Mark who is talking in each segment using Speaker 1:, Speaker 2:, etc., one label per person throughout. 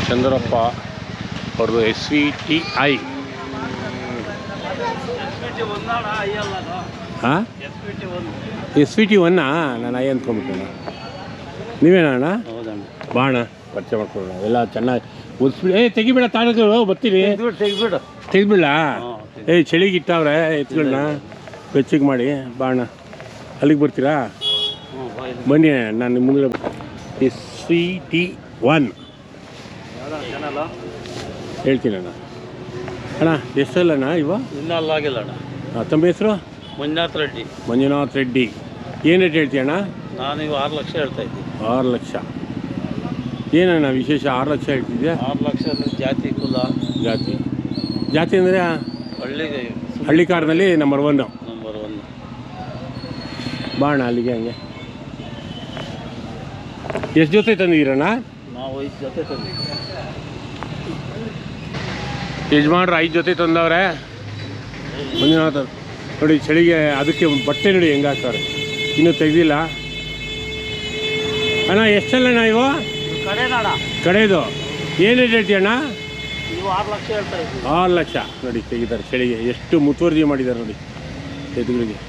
Speaker 1: ಚಂದ್ರಪ್ಪ ಅವ್ರದ್ದು SVTI. ಹಾಂ SVT1 ನಾನು ಐ ಅಂದ್ಕೊಂಡ್ಬಿಟ್ಟಣ. ನೀವೇನಣ್ಣ? ಬಾಣ ಪರಿಚಯ ಮಾಡ್ಕೊಳ್ಳೋಣ. ಎಲ್ಲ ಚೆನ್ನಾಗಿ ಓದಿಸ್ಬಿಡಿ. ತೆಗಿಬೇಡ, ತಾಳಗಳು ಬರ್ತೀರಿ. ತೆಗಿಬಿಡ. ಚಳಿಗೆ ಇಟ್ಟವ್ರೆ ಎತ್ಗಳನ್ನ ಬೆಚ್ಚಗೆ ಮಾಡಿ. ಬಾಣ ಅಲ್ಲಿಗೆ ಬರ್ತೀರಾ? ಬನ್ನಿ, ನಾನು ನಿಮ್ಮ ಮುಂದೆ. SVT1 ಹೇಳ್ತೀನಿ ಅಣ್ಣ. ಅಣ್ಣ ಎಷ್ಟಲ್ಲಣ್ಣ ಇವ?
Speaker 2: ಇನ್ನೂ ಅಲ್ಲಾಗಿಲ್ಲ ಅಣ್ಣ.
Speaker 1: ತಮ್ಮ ಹೆಸರು?
Speaker 2: ಮಂಜುನಾಥ್ ರೆಡ್ಡಿ.
Speaker 1: ಏನು ರೇಟ್ ಹೇಳ್ತೀಯ ಅಣ್ಣ?
Speaker 2: ನಾನು ಇವು 6 ಲಕ್ಷ ಹೇಳ್ತಾ ಇದ್ದೀನಿ.
Speaker 1: 6 ಲಕ್ಷ. ಏನಣ್ಣ ವಿಶೇಷ 6 ಲಕ್ಷ ಹೇಳ್ತಿದ್ಯಾ?
Speaker 2: 6 ಲಕ್ಷ ಅಂದರೆ ಜಾತಿ ಕುಲ.
Speaker 1: ಜಾತಿ ಅಂದರೆ ಹಳ್ಳಿ ಕಾರ್ನಲ್ಲಿ ನಂಬರ್ 1. ಬಾಣ ಅಲ್ಲಿಗೆ ಹಂಗೆ. ಎಷ್ಟು ಜೊತೆ ತಂದಿದ್ದೀರಣ್ಣ?
Speaker 2: ನಾವು 5 ಜೊತೆ ತಂದಿದ್ದೀವಿ.
Speaker 1: ಯಜಮಾನ್ರು 5 ಜೊತೆ ತಂದವ್ರೆ. ಮಂಜುನಾಥ ನೋಡಿ, ಚಳಿಗೆ ಅದಕ್ಕೆ ಬಟ್ಟೆ ನೋಡಿ ಹೆಂಗೆ ಹಾಕ್ತಾರೆ. ಇನ್ನೂ ತೆಗೆದಿಲ್ಲ ಅಣ್ಣ. ಎಷ್ಟಲ್ಲಣ್ಣ ಇವು? ಕಡೆದು ಏನು ರೇಟ್ ಹೇಳ್ತೀಯಣ್ಣ?
Speaker 2: 6 ಲಕ್ಷ ಹೇಳ್ತಾ ಇದ್ದೀವಿ.
Speaker 1: 6 ಲಕ್ಷ ನೋಡಿ ತೆಗಿದ್ದಾರೆ. ಚಳಿಗೆ ಎಷ್ಟು ಮುತುವರ್ಜಿ ಮಾಡಿದ್ದಾರೆ ನೋಡಿ ಎದುಗಳಿಗೆ.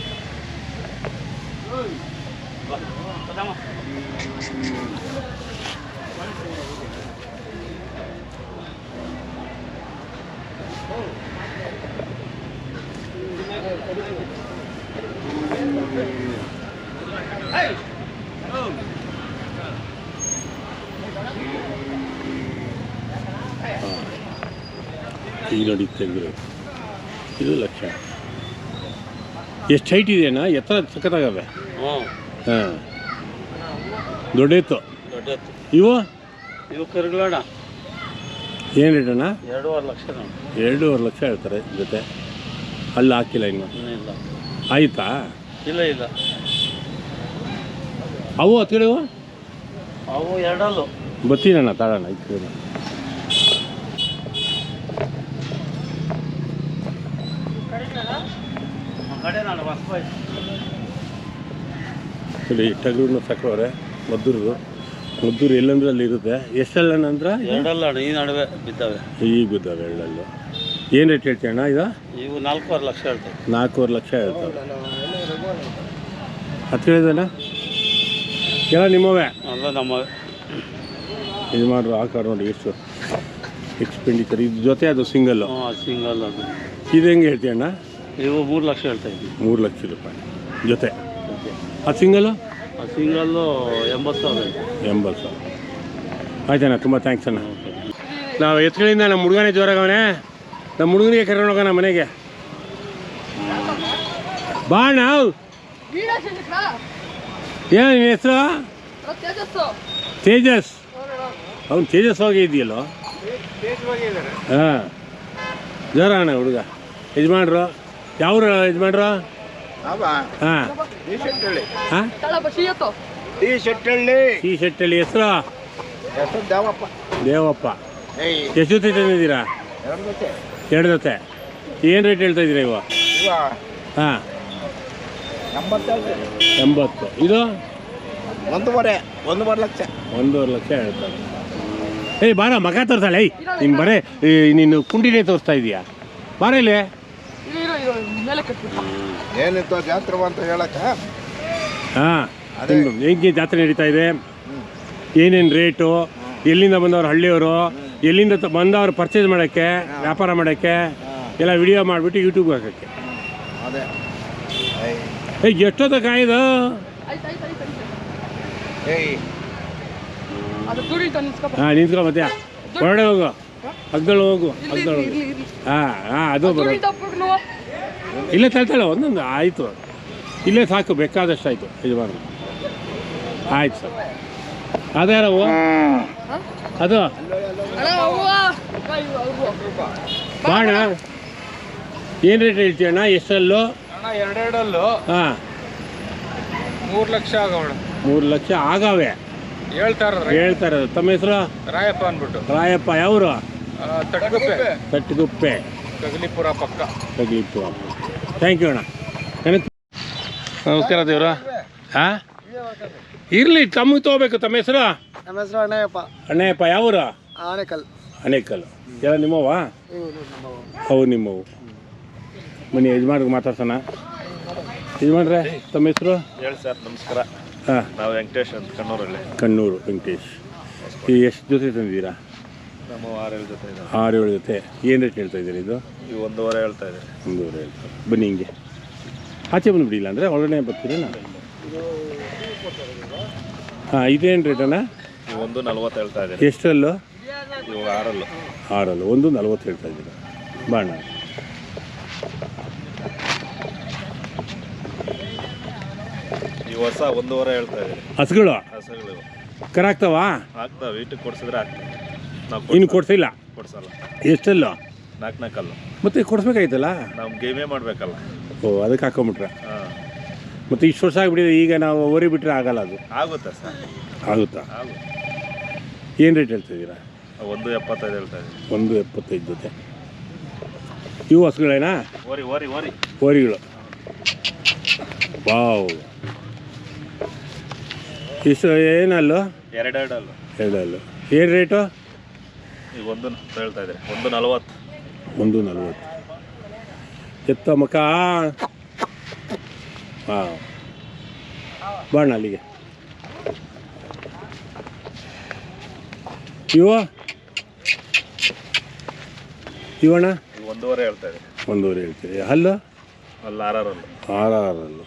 Speaker 1: ಈಗ ನೋಡಿ ತೆಗೆದಿರೋದು ಇದು ಲಕ್ಷ. ಎಷ್ಟು ಹೈಟ್ ಇದೆಯಣ್ಣ? ಎತ್ತರ ಸಖತ್ತಾಗವೆ. ಹಾಂ, ದೊಡ್ಡೆತ್ತು. ಇವು
Speaker 2: ಕರುಗಳಣ್ಣ.
Speaker 1: ಏನು ರೇಟ್ ಅಣ್ಣ?
Speaker 2: 2.5 ಲಕ್ಷ.
Speaker 1: 2.5 ಲಕ್ಷ ಹೇಳ್ತಾರೆ ಜೊತೆ. ಅಲ್ಲಿ ಹಾಕಿಲ್ಲ ಇನ್ನು.
Speaker 2: ಇಲ್ಲ.
Speaker 1: ಆಯಿತಾ?
Speaker 2: ಇಲ್ಲ.
Speaker 1: ಅವು ಹತ್ತಿರವು?
Speaker 2: ಅವು 2
Speaker 1: ಬರ್ತೀನಣ್ಣ, ತಾಳಣ್ಣ ಇತ್ತು. ಸರಿ, ಟಗರು ಸಾಕವ್ರೆ. ಮದ್ದೂರು ಎಲ್ಲಂದ್ರೆ ಅಲ್ಲಿ ಇರುತ್ತೆ. ಎಷ್ಟಲ್ಲ ಅಂದ್ರೆ
Speaker 2: 2 ಈ ನಡುವೆ ಬಿದ್ದಾವೆ.
Speaker 1: ಈಗ ಬಿದ್ದಾವೆ 2. ಏನು ರೇಟ್ ಹೇಳ್ತೀಯ ಅಣ್ಣ ಇದು?
Speaker 2: ಇವು 4.5 ಲಕ್ಷ ಹೇಳ್ತವೆ.
Speaker 1: 4.5 ಲಕ್ಷ ಹೇಳ್ತವೆ. ಹತ್ತು ಹೇಳಿದಣ್ಣ ಎಲ್ಲ ನಿಮ್ಮವೇ?
Speaker 2: ಅಲ್ಲ ನಮ್ಮವೇ.
Speaker 1: ಇದು ಮಾಡ್ರು ಹಾಕಾರ ನೋಡಿ ಎಷ್ಟು ಎಕ್ಸ್ಪೆಂಡಿಚರ್. ಇದು ಜೊತೆ ಅದು ಸಿಂಗಲ್ಲು?
Speaker 2: ಸಿಂಗಲ್. ಅದು
Speaker 1: ಇದು ಹೆಂಗೆ ಹೇಳ್ತೀಯ ಅಣ್ಣ?
Speaker 2: ಇವು 3 ಲಕ್ಷ ಹೇಳ್ತಾ ಇದ್ದೀವಿ.
Speaker 1: 3 ಲಕ್ಷ ರೂಪಾಯಿ ಜೊತೆ. ಅದು ಸಿಂಗಲ್ಲು?
Speaker 2: ಸಿಂಗಲ್ಲು 80,000.
Speaker 1: 80,000. ಆಯ್ತಣ್ಣ, ತುಂಬ ಥ್ಯಾಂಕ್ಸ್ ಅಣ್ಣ. ನಾವು ಎತ್ಗಳಿಂದ ನಮ್ಮ ಹುಡುಗನೇ ಜೋರಾಗವನೇ. ನಮ್ಮ ಹುಡುಗನಿಗೆ ಕರ್ಕೊಂಡು ಹೋಗೋಣ ಮನೆಗೆ. ಬಾ ನಾವು. ಏನು ನಿನ್ನ ಹೆಸರು? ತೇಜಸ್. ಅವ್ನು ತೇಜಸ್ವಾಗಿ ಇದೆಯಲ್ಲೋ. ಹಾಂ, ಜೋರ ಅಣ್ಣ ಹುಡುಗ. ಯಜಮಾನ್ರು ಯಾವ್ರು? ಯಜಮಾನ್ರು ಹಾಂ ಟಿ ಶೆಟ್ಟಳ್ಳಿ. ಹೆಸರು? ದೇವಪ್ಪ. ಎಷ್ಟು ಜೊತೆ ತಂದಿದ್ದೀರಾ? 2 ಜೊತೆ. ಏನು ರೇಟ್ ಹೇಳ್ತಾ ಇದ್ದೀರಾ ಇವ? ಹಾಂ, 80. ಇದು
Speaker 3: 1.5 ಲಕ್ಷ.
Speaker 1: 1.5 ಲಕ್ಷ ಹೇಳ್ತಾರೆ. ಬಾರ ಮಗ ತೋರಿಸಲ್ಲ. ನೀನು ಬರೇ ನೀನು ಕುಂಡಿನೇ ತೋರಿಸ್ತಾ ಇದೀಯಾ? ಬಾರ ಇಲ್ಲಿ.
Speaker 3: ಏನಿತ್ತು ಜಾತ್ರೆ ಅಂತ ಹೇಳಕ್ಕ?
Speaker 1: ಹಾಂ, ಹೆಂಗೆ ಜಾತ್ರೆ ನಡೀತಾ ಇದೆ? ಏನೇನು ರೇಟು? ಎಲ್ಲಿಂದ ಬಂದವರು? ಹಳ್ಳಿಯವರು ಎಲ್ಲಿಂದ ಬಂದವರು ಪರ್ಚೇಸ್ ಮಾಡೋಕ್ಕೆ, ವ್ಯಾಪಾರ ಮಾಡೋಕ್ಕೆ ಎಲ್ಲ ವಿಡಿಯೋ ಮಾಡಿಬಿಟ್ಟು ಯೂಟ್ಯೂಬ್ಗೆ ಹಾಕೋಕ್ಕೆ. ಎಷ್ಟೊತ್ತ ಕಾಯ್ದು? ಹಾಂ, ನಿಂತ್ಕೊ. ಮತ್ತೆ ಹೊರಡೆ ಹೋಗು, ಹಗ್ದಳು ಹೋಗು. ಹಾಂ, ಅದು ಬರೋ. ಇಲ್ಲೇ ತಳ್ತಾಳೆ ಒಂದೊಂದು. ಆಯಿತು, ಇಲ್ಲೇ ಸಾಕು, ಬೇಕಾದಷ್ಟು ಆಯಿತು. ಯಜಮಾನ ಆಯ್ತು ಸರ್. ಅದ್ಯಾರವು? ಅದು ಬಾಣ. ಏನು ರೇಟ್ ಹೇಳ್ತೀಯಣ್ಣ? ಎಷ್ಟಲ್ಲೂ?
Speaker 3: 2
Speaker 1: ಹಾಂ,
Speaker 3: 3 ಲಕ್ಷ ಆಗೋಣ.
Speaker 1: 3 ಲಕ್ಷ ಆಗವೆ ಹೇಳ್ತಾ ಇರೋದು. ತಮ್ಮ ಹೆಸರು?
Speaker 3: ರಾಯಪ್ಪ ಅಂದ್ಬಿಟ್ಟು.
Speaker 1: ರಾಯಪ್ಪ. ಯಾವರು?
Speaker 3: ತಟ್ಟಗುಪ್ಪೆ, ಕಗಲಿಪುರ ಪಕ್ಕ.
Speaker 1: ಥ್ಯಾಂಕ್ ಯು ಅಣ್ಣ. ನಮಸ್ಕಾರ ದೇವ್ರ. ಹಾಂ, ಇರಲಿ, ತಮಗೆ ತೊಗೋಬೇಕು. ತಮ್ಮ ಹೆಸರು?
Speaker 3: ನಮ್ಮ ಹೆಸರು ಅಣ್ಣಯ್ಯಪ್ಪ.
Speaker 1: ಅಣ್ಣಯ್ಯಪ್ಪ. ಯಾವರು?
Speaker 4: ಆನೆಕಲ್.
Speaker 1: ಅನೇಕಲ್ ಎಲ್ಲ ನಿಮ್ಮವ? ಅವು ನಿಮ್ಮವು. ಬನ್ನಿ ಯಜಮಾನ್ರಿಗೆ ಮಾತಾಡ್ಸೋಣ. ಯಜಮಾನ್ರೆ ತಮ್ಮ ಹೆಸರು?
Speaker 5: ಹೇಳಿ ಸರ್, ನಮಸ್ಕಾರ.
Speaker 1: ಹಾಂ,
Speaker 5: ನಾವು ವೆಂಕಟೇಶ್ ಅಂತ ಕಣ್ಣೂರಲ್ಲಿ.
Speaker 1: ಕಣ್ಣೂರು ವೆಂಕಟೇಶ್. ಈ ಎಷ್ಟು ಜೊತೆ ತಂದಿದ್ದೀರಾ?
Speaker 5: ನಮ್ಮ 6-7 ಜೊತೆ ಇದೆ.
Speaker 1: 6-7 ಜೊತೆ. ಏನು ರೇಟ್ ಹೇಳ್ತಾ ಇದ್ದೀರಿ ಇದು?
Speaker 5: ಇವು 1.5 ಹೇಳ್ತಾ ಇದ್ದಾರೆ.
Speaker 1: 1.5 ಹೇಳ್ತಾರೆ. ಬನ್ನಿ ಹಿಂಗೆ ಆಚೆ ಬಂದುಬಿಡಿಲ್ಲ ಅಂದರೆ ಒಳಗಡೆ ಬರ್ತೀರೇನಾ? ಹಾಂ, ಇದೇನು ರೇಟಣ್ಣ?
Speaker 5: ಇವು 1.40 ಹೇಳ್ತಾ ಇದ್ದಾರೆ.
Speaker 1: ಎಷ್ಟರಲ್ಲೂ?
Speaker 5: ಇವು 6
Speaker 1: 6 1.40 ಹೇಳ್ತಾ ಇದ್ದೀರಾ. ಬಾಣ
Speaker 5: ಈ ವರ್ಷ 1.5 ಹೇಳ್ತಾ ಇದ್ದಾರೆ.
Speaker 1: ಹಸುಗಳು
Speaker 5: ಹಸುಗಳು
Speaker 1: ಕರಾಗ್ತಾವ?
Speaker 5: ಆಗ್ತಾವೆ, ವೀಟಿಗೆ ಕೊಡ್ಸಿದ್ರೆ ಆಗ್ತವೆ. ನಾವು
Speaker 1: ಇನ್ನು ಕೊಡ್ಸಿಲ್ಲ?
Speaker 5: ಕೊಡ್ಸಲ್ಲ.
Speaker 1: ಎಷ್ಟಲ್ಲೋ?
Speaker 5: 4
Speaker 1: ಮತ್ತೆ ಕೊಡಿಸ್ಬೇಕಾಯ್ತಲ್ಲ?
Speaker 5: ನಾವು ಗೇಮೇ ಮಾಡಬೇಕಲ್ಲ.
Speaker 1: ಓ, ಅದಕ್ಕೆ ಹಾಕೊಂಬಿಟ್ರೆ.
Speaker 5: ಹಾಂ,
Speaker 1: ಮತ್ತು ಇಷ್ಟು ವರ್ಷ ಆಗಿಬಿಟ್ಟಿದೆ, ಈಗ ನಾವು ಓರಿ ಬಿಟ್ಟರೆ ಆಗಲ್ಲ. ಅದು
Speaker 5: ಆಗುತ್ತೆ ಸರ್,
Speaker 1: ಆಗುತ್ತಾ?
Speaker 5: ಆಗುತ್ತೆ.
Speaker 1: ಏನು ರೇಟ್ ಹೇಳ್ತಾ ಇದ್ದೀರಾ?
Speaker 5: 1.75 ಹೇಳ್ತಾ ಇದ್ದೀವಿ.
Speaker 1: 1.75 ಜೊತೆ. ಇವು ಹಸುಗಳೇನಾ?
Speaker 5: ಓರಿ ಓರಿ ಓರಿ
Speaker 1: ಓರಿಗಳು. ವಾವ್, ಇಷ್ಟು ಏನಲ್ಲು?
Speaker 5: 2 ಅಲ್ಲ.
Speaker 1: 2 ಅಲ್ಲು. ಏನು ರೇಟು?
Speaker 5: ಈಗ 1 ಹೇಳ್ತಾ ಇದ್ದಾರೆ. 1.40.
Speaker 1: 1.40. ಎತ್ತ ಮಕ. ಹಾಂ, ಬಾಣ ಅಲ್ಲಿಗೆ. ಇವಣ್ಣ?
Speaker 5: 1.5 ಹೇಳ್ತಾ ಇದ್ದಾರೆ.
Speaker 1: 1.5 ಹೇಳ್ತೀರಿ. ಹಲ್ಲು?
Speaker 5: ಅಲ್ಲಿ 6
Speaker 1: 6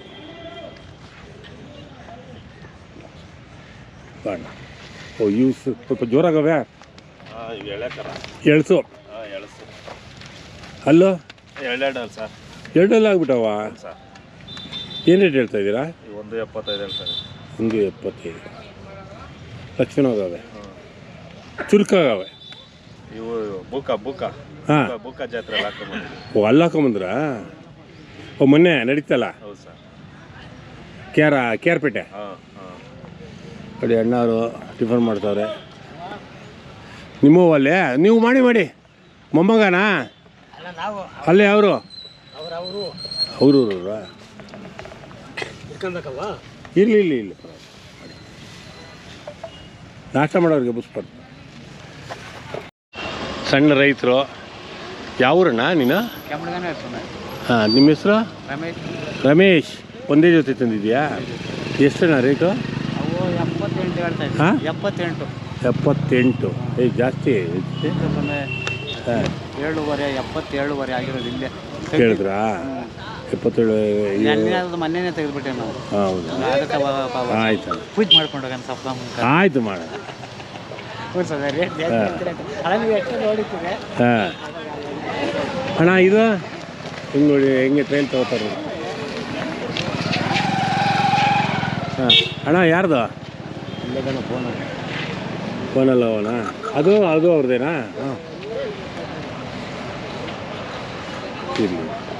Speaker 1: ಬಾಣ. ಓ, ಇವು ಸ್ವಲ್ಪ ಜೋರಾಗವೆ.
Speaker 5: ಹಾಂ, ಇವು ಎಳೆಕರ.
Speaker 1: ಎಳ್ಸು.
Speaker 5: ಹಾಂ, ಎಳಸು.
Speaker 1: ಹಲ್ಲು?
Speaker 5: 2 ಅಲ್ಲ ಸರ್.
Speaker 1: 2 ಅಲ್ಲ ಆಗ್ಬಿಟ್ಟವ.
Speaker 5: ಸರ್,
Speaker 1: ಏನು ರೇಟ್ ಹೇಳ್ತಾ ಇದ್ದೀರಾ?
Speaker 5: 1.75 ಹೇಳ್ತಾ ಇದ್ದಾರೆ.
Speaker 1: 1.75. ಲಕ್ಷಣವಾಗವೆ, ಚುರುಕಾಗವೆ.
Speaker 5: ಇವು ಬೂಕ
Speaker 1: ಹಾಂ,
Speaker 5: ಬೂಕ ಜಾತ್ರೆ ಹಾಕೊಂಡ್ಬಂದಿದ್ದೀವಿ.
Speaker 1: ಓ, ಅಲ್ಲಿ ಹಾಕೊಂಬಂದ್ರಾ? ಓ, ಮೊನ್ನೆ ನಡೀತಲ್ಲ
Speaker 5: ಹೌದು ಸರ್.
Speaker 1: ಕೇರ್ಪೇಟೆ.
Speaker 5: ಹಾಂ ಹಾಂ.
Speaker 1: ನೋಡಿ, ಅಣ್ಣವರು ಟಿಫನ್ ಮಾಡ್ತಾವ್ರೆ. ನಿಮ್ಮವು ಅಲ್ಲೇ ನೀವು ಮಾಡಿ ಮೊಮ್ಮಗನಾ? ಅಲ್ಲೇ ಅವರು ಅವ್ರವ್ರ ಇರಲಿ ನಾಷ್ಟ ಮಾಡೋರಿಗೆ ಬುಸ್ಬಾರ್ದು. ಸಣ್ಣ ರೈತರು. ಯಾವೂರಣ್ಣ ನೀನು? ಹಾಂ, ನಿಮ್ಮ ಹೆಸರು? ರಮೇಶ್. ಒಂದೇ ಜೊತೆ ತಂದಿದ್ಯಾ? ಎಷ್ಟಣ್ಣ ರೇಟು? ಹಾಂ, 78. ಜಾಸ್ತಿ. ಹಾಂ,
Speaker 4: 7.5 ಆಗಿರೋದು ಇಲ್ಲೇ
Speaker 1: ಕೇಳಿದ್ರಾ? 77.
Speaker 4: ಮೊನ್ನೆ ತೆಗೆದುಬಿಟ್ಟೆ ನಾವು.
Speaker 1: ಹೌದಾ? ಆಯ್ತು,
Speaker 4: ಪೂಜೆ ಮಾಡ್ಕೊಂಡು ಹೋಗೋಣ ಸ್ವಲ್ಪ.
Speaker 1: ಆಯಿತು ಮಾಡೋಣ. ಹಾಂ, ಅಣ್ಣ ಇದು ಹಿಂಗೆ ನೋಡಿ ಹೆಂಗೆ ಟ್ರೈನ್ ತಗೋತಾರೆ. ಹಾಂ, ಅಣ್ಣ ಯಾರ್ದು? ಫೋನಲ್ಲ ಅವನ? ಅದು ಅವ್ರದ್ದೇನಾ? ಇರಲಿ.